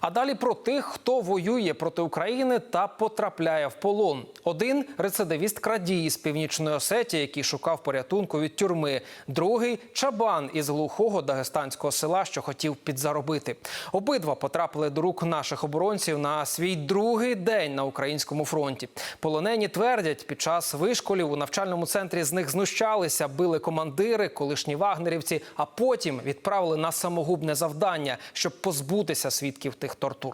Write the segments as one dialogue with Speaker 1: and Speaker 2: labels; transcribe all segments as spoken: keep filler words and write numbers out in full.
Speaker 1: А далі про тих, хто воює проти України та потрапляє в полон. Один – рецидивіст-крадій з Північної Осетії, який шукав порятунку від тюрми. Другий – чабан із глухого дагестанського села, що хотів підзаробити. Обидва потрапили до рук наших оборонців на свій другий день на українському фронті. Полонені твердять, під час вишколів у навчальному центрі з них знущалися, били командири, колишні вагнерівці, а потім відправили на самогубне завдання, щоб позбутися свідків тих тортур.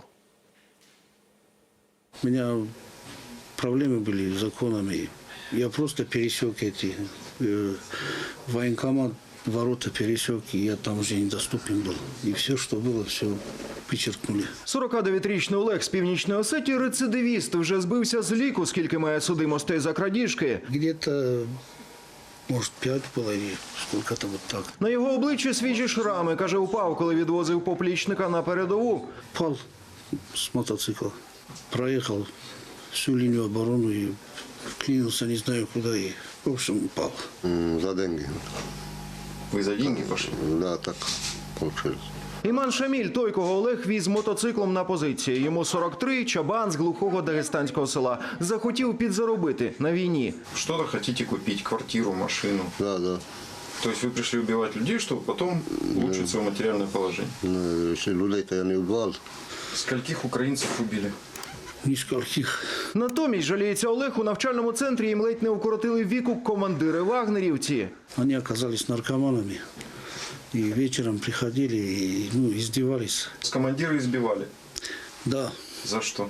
Speaker 2: У меня проблемы были с законами. Я просто пересек эти э, военкомат, ворота пересек, и я там уже недоступен был. И все, что было, все вичеркнули.
Speaker 3: сорокадев'ятирічний Олег з Північної Осетії – рецидивіст. Вже збився з ліку, скільки має судимостей за крадіжки.
Speaker 2: Где-то, может, пять было или сколько-то вот так.
Speaker 3: На його обличчі свіжі шрами. Каже, упав, коли відвозив поплічника на передову.
Speaker 2: Пал с мотоцикла, проехал всю линию обороны и вклинился не знаю куда, и, в общем, упал.
Speaker 4: М, За деньги.
Speaker 5: Вы за деньги пошли?
Speaker 4: Да, так получилось.
Speaker 3: Іман Шаміль – той, кого Олег віз мотоциклом на позиції. Йому сорок три, чабан з глухого дагестанського села. Захотів підзаробити на війні.
Speaker 5: Что-то хотите купить, квартиру, машину.
Speaker 4: Да, да.
Speaker 5: То есть вы пришли убивать людей, чтобы потом улучшить свое материальное положение.
Speaker 4: Ну, если людей-то я не убивал.
Speaker 5: Скольких украинцев убили?
Speaker 2: Нискольких.
Speaker 3: Натомість, жаліється Олег, у навчальному центрі їм ледь не укоротили віку командири вагнерівці.
Speaker 2: Они оказались наркоманами. И вечером приходили и ну, издевались.
Speaker 5: С командира избивали.
Speaker 2: Да.
Speaker 5: За что?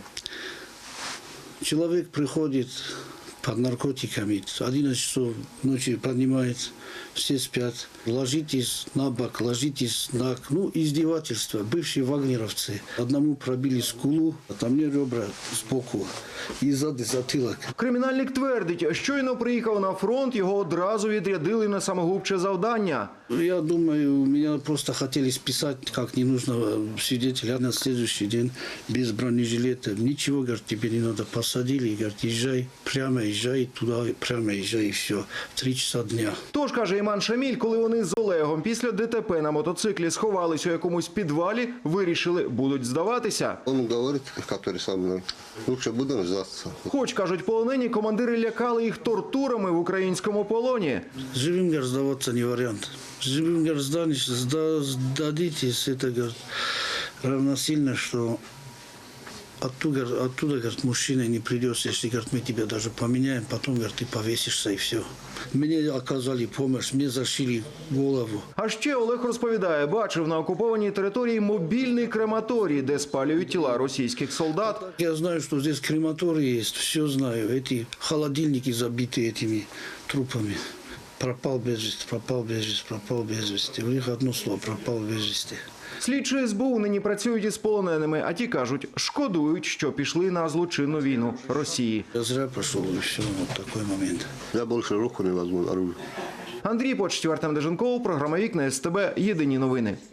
Speaker 2: Человек приходит под наркотиками, одиннадцать часов ночи поднимается, все спят. Ложитесь на бок, ложитесь на... Ну, издевательство. Бывшие вагнеровцы. Одному пробили скулу, а там мне ребра сбоку и сзади затылок.
Speaker 3: Кримінальник твердить, щойно приїхав на фронт, його одразу відрядили на самогубче завдання.
Speaker 2: Я думаю, меня просто хотели списать как ненужного свидетеля на следующий день без бронежилета. Ничего, говорит, тебе не надо. Посадили, говорит, езжай, прямо езжай туда, прямо езжай, и все. В три часа дня.
Speaker 3: Тож, каже Іман Шаміль, коли вони з Олегом після ДТП на мотоциклі сховались у якомусь підвалі, вирішили, будуть здаватися.
Speaker 4: Он говорит, который со мной, лучше будем сдаться.
Speaker 3: Хоч, кажуть полонені, командири лякали їх тортурами в українському полоні.
Speaker 2: Живым, говорит, сдаваться не вариант. Живым, говорит, сдадитесь, сда, сдадитесь, это, говорит, равносильно, что оттуда, оттуда, говорит, мужчина не придется, если, говорит, мы тебя даже поменяем, потом, говорит, ты повесишься и все. Мне оказали помощь, мне зашили голову.
Speaker 3: А ще Олег розповідає, бачив на окупованій території мобільний крематорій, де спалюють тіла російських солдат.
Speaker 2: Я знаю, что здесь крематорий есть, все знаю. Эти холодильники забиты этими трупами. Пропал без вести, пропал без вести, пропал без вести. У них одно слово – пропал без вести.
Speaker 3: Слідчі ес бе у нині працюють із полоненими, а ті кажуть, шкодують, що пішли на злочинну війну Росії.
Speaker 2: Я зря пошел, и все, вот такой момент.
Speaker 4: Я больше руку не возьму, оружие.
Speaker 3: Андрій Почтів, Артем Деженков, програма «Вікна ес те бе», єдині новини.